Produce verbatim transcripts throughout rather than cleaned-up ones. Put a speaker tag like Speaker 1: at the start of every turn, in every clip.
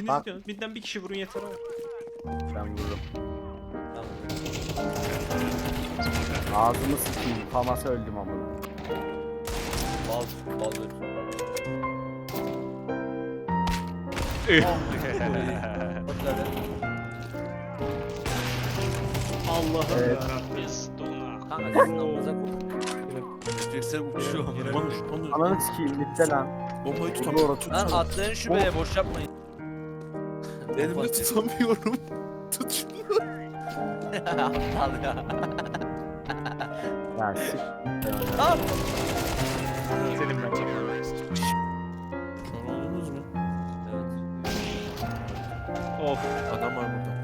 Speaker 1: Bak.
Speaker 2: gidiyorsunuz. Midden bir kişi vurun yeter abi.
Speaker 1: Ben vururum.
Speaker 3: Tamam.
Speaker 1: Ağzımı sıkayım. Famasa öldüm amına.
Speaker 3: Bal, bal ver. Bak nerede?
Speaker 2: Allah'ım
Speaker 1: Evet.
Speaker 2: yarabbim. Dona.
Speaker 3: Kanka sizin amınıza koy.
Speaker 4: Refleksler uçuyor.
Speaker 5: Konuş konuş.
Speaker 1: Ananı sikeyim bitti lan.
Speaker 5: Bombayı
Speaker 1: Doğru,
Speaker 5: tutamıyorum.
Speaker 1: tut.
Speaker 3: Lan atlayın şuraya boş yapmayın.
Speaker 5: Elimde tutamıyorum. Tut şunu.
Speaker 3: Aptal ya.
Speaker 1: Ya sik.
Speaker 3: Lan!
Speaker 2: Senin ben çekmem.
Speaker 5: Kör oldunuz mu?
Speaker 3: Evet.
Speaker 2: Of.
Speaker 5: Adam var burada.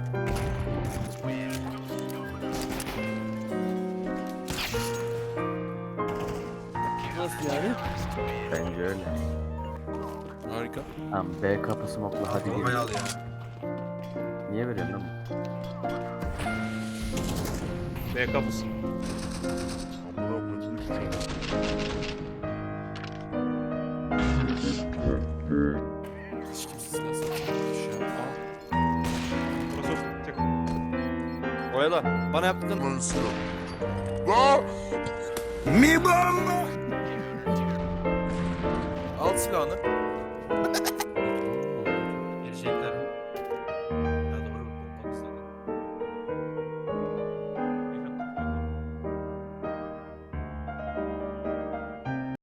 Speaker 3: Nasıl yani?
Speaker 1: Bence öyle.
Speaker 5: Harika.
Speaker 1: Tamam B kapı smoke'la hadi
Speaker 4: Bombayı
Speaker 1: gir.
Speaker 4: al ya.
Speaker 1: Niye veriyorsun lan?
Speaker 2: B kapısı.
Speaker 5: Hiç kimse nasıl tutmuş ya.
Speaker 2: Burası tek.
Speaker 3: Oyala. Bana yaptın.
Speaker 5: Al silahını.
Speaker 4: Gelecekler.